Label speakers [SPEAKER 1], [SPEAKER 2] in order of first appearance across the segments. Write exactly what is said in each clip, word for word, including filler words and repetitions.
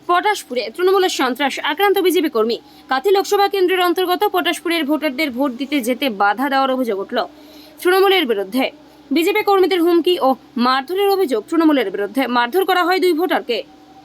[SPEAKER 1] পটাশপুরে তৃণমূলের সন্ত্রাস আক্রান্ত বিজেপি কর্মী। কাথি লোকসভা কেন্দ্রের অন্তর্গত পটাশপুরের ভোটারদের ভোট দিতে যেতে বাধা দেওয়ার অভিযোগ উঠল তৃণমূলের বিরুদ্ধে। বিজেপি কর্মীদের হুমকি ও মারধরের অভিযোগ তৃণমূলের বিরুদ্ধে। মারধর করা হয় দুই ভোটারকে।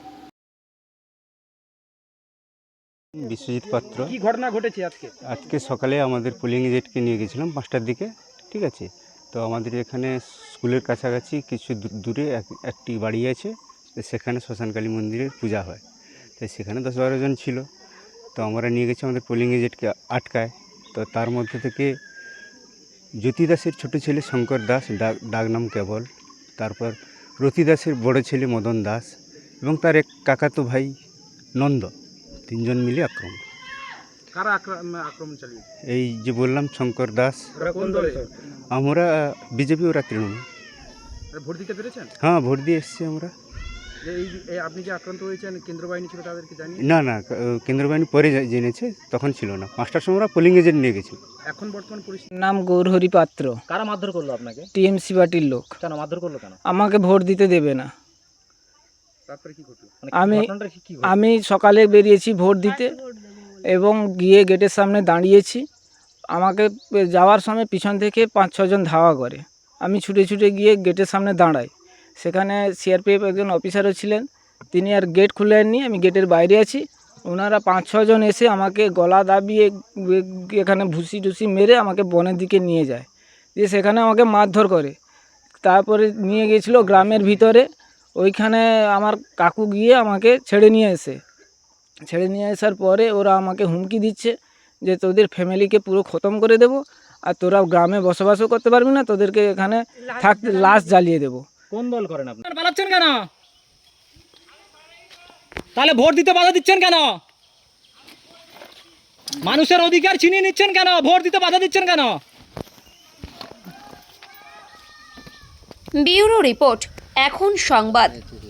[SPEAKER 2] বিশ্বজিৎ পাত্র।
[SPEAKER 3] কি ঘটনা ঘটেছে আজকে?
[SPEAKER 2] আজকে সকালে আমাদের পোলিং এজেন্টকে নিয়ে গেছিলাম পাঁচটার দিকে, ঠিক আছে। তো আমাদের এখানে স্কুলের কাছাকাছি কিছু দূরে একটি বাড়ি আছে, তো সেখানে শ্মশানকালী মন্দিরের পূজা হয়। তো সেখানে দশ বারো জন ছিল, তো আমরা নিয়ে গেছি আমাদের পোলিং এজেন্টকে আটকায়। তো তার মধ্যে থেকে জ্যোতি দাসের ছোটো ছেলে শঙ্কর দাস, ডাক ডাক নাম কেবল, তারপর রতি দাসের বড় ছেলে মদন দাস এবং তার এক কাকাতো ভাই নন্দ, তিনজন মিলে আক্রমণ।
[SPEAKER 3] কারা আক্রমণ চালিয়ে?
[SPEAKER 2] এই যে বললাম শঙ্কর দাস।
[SPEAKER 3] কোন দলে?
[SPEAKER 2] আমরা বিজেপি, ওরা তৃণমূল।
[SPEAKER 3] ভোট দিতে পেরেছেন?
[SPEAKER 2] হ্যাঁ, ভোট দিয়ে এসছি আমরা।
[SPEAKER 3] এই আপনি যে আক্রান্ত হয়েছেন, কেন্দ্র বাহিনী ছিল তাদেরকে জানিয়ে?
[SPEAKER 2] না না, কেন্দ্র বাহিনী পরে জেনেছে, তখন ছিল না। পাঁচটার সময় আমরা পোলিং এজেন্ট নিয়ে গেছি।
[SPEAKER 3] এখন বর্তমান পরিস্থিতি?
[SPEAKER 4] নাম গৌরহরি পাত্র।
[SPEAKER 3] কারা মারধর করলো আপনাকে?
[SPEAKER 4] টিএমসি পার্টির লোক।
[SPEAKER 3] কেন মারধর করলো কেন?
[SPEAKER 4] আমাকে ভোট দিতে দেবে না।
[SPEAKER 3] তারপরে কি ঘটলো?
[SPEAKER 4] আমি আমি সকালে বেরিয়েছি ভোট দিতে এবং গিয়ে গেটের সামনে দাঁড়িয়েছি। আমাকে যাওয়ার সময় পিছন থেকে পাঁচ ছজন ধাওয়া করে। আমি ছুটে ছুটে গিয়ে গেটের সামনে দাঁড়াই। সেখানে সিআরপিএফ একজন অফিসারও ছিলেন, তিনি আর গেট খুলেননি। আমি গেটের বাইরে আছি। ওনারা পাঁচ ছজন এসে আমাকে গলা দাবিয়ে এখানে ভুসি টুসি মেরে আমাকে বনের দিকে নিয়ে যায়, দিয়ে সেখানে আমাকে মারধর করে। তারপরে নিয়ে গিয়েছিল গ্রামের ভিতরে, ওইখানে আমার কাকু গিয়ে আমাকে ছেড়ে নিয়ে এসে ছেড়ে নিয়ে আসার পরে ওরা আমাকে হুমকি দিচ্ছে যে তোদের ফ্যামিলিকে পুরো খতম করে দেব, আর তোরা গ্রামে বসবাসও করতে পারবি না, তোদেরকে এখানে থাকতে লাশ জ্বালিয়ে দেবো।
[SPEAKER 3] কোন দল করেন আপনি? পালাচ্ছেন কেন? তাহলে ভোট দিতে বাধা দিচ্ছেন কেন? মানুষের অধিকার ছিনিয়ে নিচ্ছেন কেন? ভোট দিতে বাধা দিচ্ছেন কেন?
[SPEAKER 1] ব্যুরো রিপোর্ট, এখন সংবাদ।